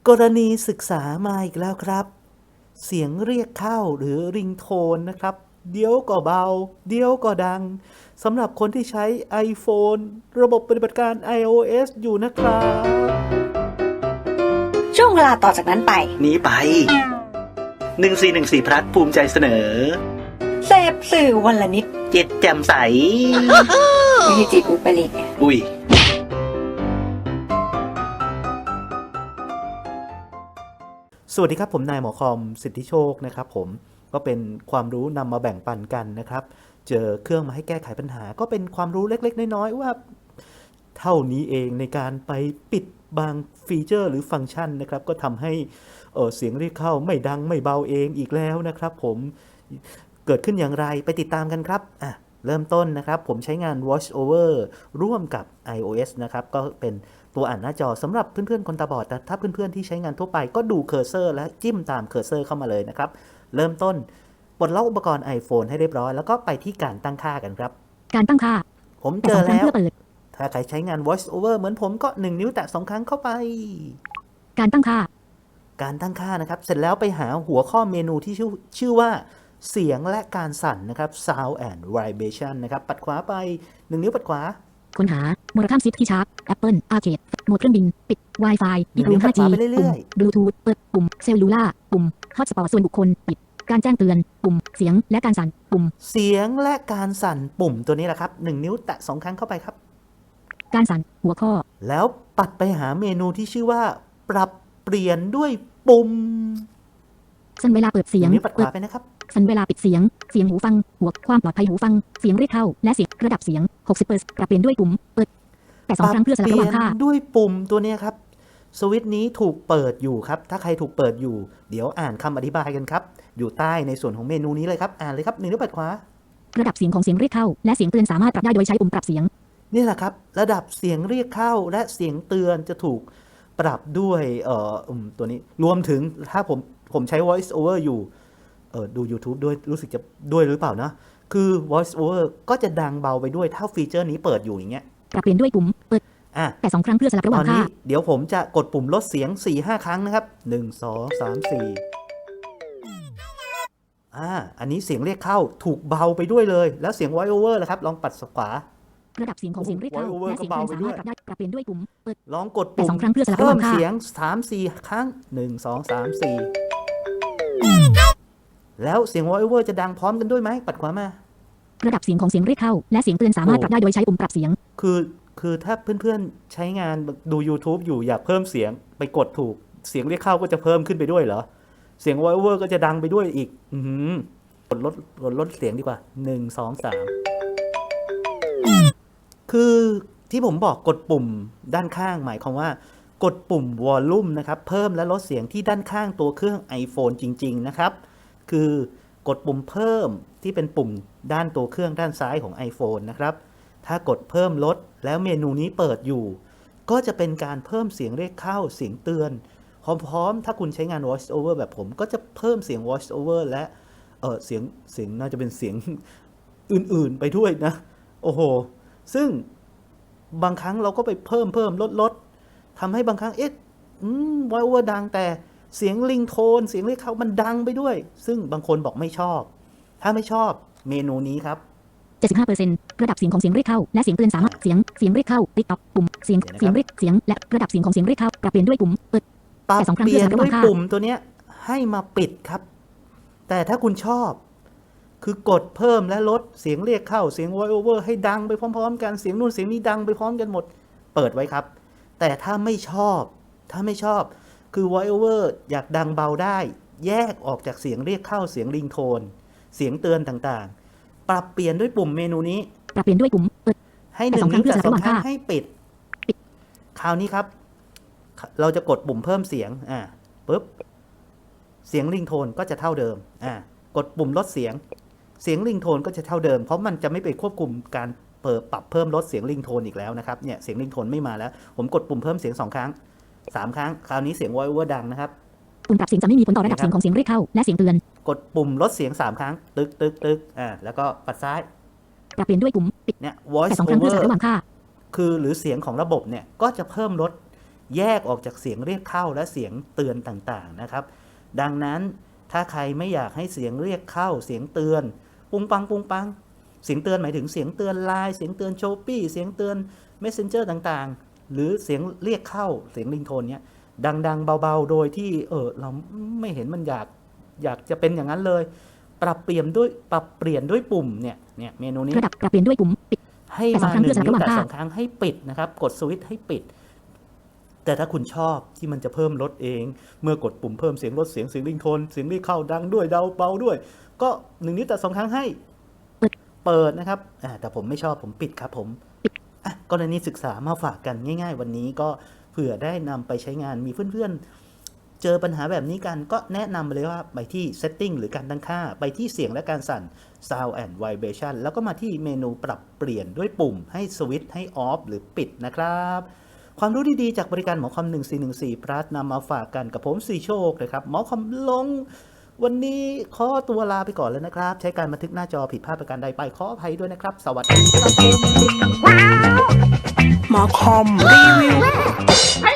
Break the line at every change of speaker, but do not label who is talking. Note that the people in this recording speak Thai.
กรณีศึกษามาอีกแล้วครับ เสียงเรียกเข้าหรือริงโทนนะครับเดี๋ยวก็เบาเดี๋ยวก็ดังสำหรับคนที่ใช้ iPhone ระบบปฏิบัติการ iOS อยู่นะครับ
ช่วงเวลาต่อจากนั้นไป
นี้ไป1414พลัดภูมิใจเสนอ
เสพสื่อวันละนิด
เจ็ดแจ่มใส
ไม่ใช่จิตอุปริต
อุ้ย
สวัสดีครับผมนายหมอคอมสิทธิโชคนะครับผมก็เป็นความรู้นำมาแบ่งปันกันนะครับเจอเครื่องมาให้แก้ไขปัญหาก็เป็นความรู้เล็กๆน้อยๆว่าเท่านี้เองในการไปปิดบางฟีเจอร์หรือฟังก์ชันนะครับก็ทำให้เสียงเรียกเข้าไม่ดังไม่เบาเองอีกแล้วนะครับผมเกิดขึ้นอย่างไรไปติดตามกันครับเริ่มต้นนะครับผมใช้งาน Voice Over ร่วมกับ iOS นะครับก็เป็นตัวอ่านหน้าจอสำหรับเพื่อนๆคนตาบอดแต่ถ้าเพื่อนๆที่ใช้งานทั่วไปก็ดูเคอร์เซอร์และจิ้มตามเคอร์เซอร์เข้ามาเลยนะครับเริ่มต้นปลดล็อกอุปกรณ์ iPhone ให้เรียบร้อยแล้วก็ไปที่การตั้งค่ากันครับ
การตั้งค่า
ผมเจอแล้วถ้าใครใช้งาน Voice Over เหมือนผมก็1นิ้วแตะ2ครั้งเข้าไป
การตั้งค่า
นะครับเสร็จแล้วไปหาหัวข้อเมนูที่ชื่อว่าเสียงและการสั่นนะครับ Sound and Vibration นะครับปัดขวาไป1นิ้วปัดขวา
ค้นหาโมราคัมซิตที่ชาร์ป Apple Arcade โหมดเครื่องบินปิด Wi-Fi
ปิดรูม 5G
ปุ่ม Bluetooth เปิดปุ่มเซลลูล่าปุ่ม Hotspot ส่วนบุคคลปิดการแจ้งเตือนปุ่มเสียงและการสั่นปุ่ม
เสียงและการสั่นปุ่มตัวนี้แหละครับ1นิ้วแตะ2ครั้งเข้าไปครับ
การสั่นหัวข้อ
แล้วปัดไปหาเมนูที่ชื่อว่าปรับเปลี่ยนด้วยปุ่ม
สั่นเวลาเปิดเสียง
นี้ปัดขวาไปนะครับ
สั่นเวลาปิดเสียงหูฟังหัวความปลอดภัยหูฟังเสียงเรียกเข้าและเสียงระดับเสียง 60% ปรับเปลี่ยนด้วยปุ่มเปิดแต่2ครั้งเพื่อสลับระหว่างค่า
ด้วยปุ่มตัวนี้ครับสวิตช์นี้ถูกเปิดอยู่ครับถ้าใครถูกเปิดอยู่เดี๋ยวอ่านคำอธิบายกันครับอยู่ใต้ในส่วนของเมนูนี้เลยครับอ่านเลยครับ1นิ้วปัดขวา
ระดับเสียงของเสียงเรียกเข้าและเสียงเตือนสามารถปรับได้โดยใช้ปุ่มปรับเสียง
นี่แหละครับระดับเสียงเรียกเข้าและเสียงเตือนจะถูกปรับด้วยตัวนี้รวมถึงถ้าผมใช้ Voice Over อยู่ดู YouTube ด้วยรู้สึกจะด้วยหรือเปล่านะคือ Voice Over ก็จะดังเบาไปด้วยถ้าฟีเจอร์นี้เปิดอยู่อย่างเงี้ย
ปรับเปลี่ยนด้วยปุ่มเปิดแต่2ครั้งเพื่อสลับระหว่างค่า
เดี๋ยวผมจะกดปุ่มลดเสียง 4-5 ครั้งนะครับ1 2 3 4อันนี้เสียงเรียกเข้าถูกเบาไปด้วยเลยแล้วเสียง Voice Over ล่ะครับลองปัดขวา
ระดับเสียงของเสียงเรียกเข้าและเสียงเตือนสามารถปรับเปลี่ยนด้วยปุ่มเปิด
ลองกดปุ่ม
2ครั้งเพื่อสลับระห
ว่าง
ค่า
เสียง 3-4 ครั้ง1 2 3 4แล้วเสียง Voice Over จะดังพร้อมกันด้วยไหมปัดขวามา
ระดับเสียงของเสียงเรียกเข้าและเสียงเตือนสามารถปรับได้โดยใช้ปุ่มปรับเสียง
คือถ้าเพื่อนๆใช้งานดู YouTube อยู่อยากเพิ่มเสียงไปกดถูกเสียงเรียกเข้าก็จะเพิ่มขึ้นไปด้วยเหรอเสียง Voice Over ก็จะดังไปด้วยอีกกดลดเสียงดีกว่า1 2 3คือที่ผมบอกกดปุ่มด้านข้างหมายความว่ากดปุ่ม Volume นะครับเพิ่มและลดเสียงที่ด้านข้างตัวเครื่อง iPhone จริงๆนะครับคือกดปุ่มเพิ่มที่เป็นปุ่มด้านตัวเครื่องด้านซ้ายของ iPhone นะครับถ้ากดเพิ่มลดแล้วเมนูนี้เปิดอยู่ก็จะเป็นการเพิ่มเสียงเรียกเข้าเสียงเตือนพร้อมๆถ้าคุณใช้งาน Voice Over แบบผมก็จะเพิ่มเสียง Voice Over และเสียงน่าจะเป็นเสียงอื่นๆไปด้วยนะโอ้โหซึ่งบางครั้งเราก็ไปเพิ่มลดทำให้บางครั้งVoice Over ดังแต่เสียงริงโทนเสียงเรียกเข้ามันดังไปด้วยซึ่งบางคนบอกไม่ชอบถ้าไม่ชอบเมนูนี้ครับ
75% ระดับเสียงของเสียงเรียกเข้าและเสียงเตือนสามารถเสียงเรียกเข้าติ๊กต็อกปุ่มเสียงเรียกเสียงและระดับเสียงของเสียงเรียกเข้าปรับเปลี่ยนด้วยปุ่มเปิด
แต่2ครั้งเพื่อสลับระหว่างค่าปุ่มตัวเนี้ยให้มาปิดครับแต่ถ้าคุณชอบคือกดเพิ่มและลดเสียงเรียกเข้าเสียง Voice Over ให้ดังไปพร้อมๆกันเสียงนู่นเสียงนี้ดังไปพร้อมกันหมดเปิดไว้ครับแต่ถ้าไม่ชอบคือ Voice Over อยากดังเบาได้แยกออกจากเสียงเรียกเข้าเสียงริงโทนเสียงเตือนต่างๆปรับเปลี่ยนด้วยปุ่มเมนูนี้
ปรับเปลี่ยนด้วยปุ่มเปิด
ให้1นิ้วแต่2ครั้งให้ปิดคราวนี้ครับเราจะกดปุ่มเพิ่มเสียงปึ๊บเสียงริงโทนก็จะเท่าเดิมกดปุ่มลดเสียงริงโทนก็จะเท่าเดิมเพราะมันจะไม่ไปควบคุมการปรับเพิ่มลดเสียงริงโทนอีกแล้วนะครับเนี่ยเสียงริงโทนไม่มาแล้วผมกดปุ่มเพิ่มเสียง2ครั้ง3ครั้งคราวนี้เสียง Voice Over ดังนะครับ
ปุ่มปรับเสียงจะไม่มีผลต่อระดับเสียงของเสียงเรียกเข้าและเสียงเตือน
กดปุ่มลดเสียง3ครั้งตึกแล้วก็ปัดซ้าย
ปรับเปลี่ยนด้วยปุ่มปิด
เนี่ย Voice
แต่2ครั้งเพื่อสลับระหว่างค่า
คือหรือเสียงของระบบเนี่ยก็จะเพิ่มลดแยกออกจากเสียงเรียกเข้าและเสียงเตือนต่างๆนะครับดังนั้นถ้าใครไม่อยากให้เสียงเรียกเข้าเสียงเตือนปุ้งปังปุ้งปังเสียงเตือนหมายถึงเสียงเตือนไลน์เสียงเตือนโชปี้เสียงเตือน Messenger ต่างๆหรือเสียงเรียกเข้าเสียงริงโทนเนี้ยดังๆเบาๆโดยที่เราไม่เห็นมันอยากจะเป็นอย่างนั้นเลยปรับเปลี่ยนด้วยปุ่มเนี่ยเมนูนี้
ระดับปรับเปลี่ยนด้วยปุ่มปิด
ให้
แต่สอ
มาง
ครั้ง
หนึ่ง
เพื่อสลับ
นิ้ว
ระหว่าง
แต่
ภาพ
สองครั้งให้ปิดนะครับกดสวิตช์ให้ปิด แต่ถ้าคุณชอบที่มันจะเพิ่มลดเองเมื่อกดปุ่มเพิ่มเสียงลดเสียงริงโทนเสียงเรียกเข้าดังด้วยเบาด้วย ก็1 นิ้วแต่2 ครั้งให้เปิดนะครับแต่ผมไม่ชอบผมปิดครับผมกรณีศึกษามาฝากกันง่ายๆวันนี้ก็เผื่อได้นำไปใช้งานมีเพื่อนๆเจอปัญหาแบบนี้กันก็แนะนำเลยว่าไปที่ setting หรือการตั้งค่าไปที่เสียงและการสั่น sound and vibration แล้วก็มาที่เมนูปรับเปลี่ยนด้วยปุ่มให้สวิตช์ให้ off หรือปิดนะครับความรู้ดีๆจากบริการหมอคอม1414 plus นำมาฝากกันกับผมสีโชคเลยครับหมอคอมลงวันนี้ขอตัวลาไปก่อนแล้วนะครับใช้การบันทึกหน้าจอผิดพลาดประการใดไปขออภัยด้วยนะครับสวัสดีครับ
หมอคอมรีวิว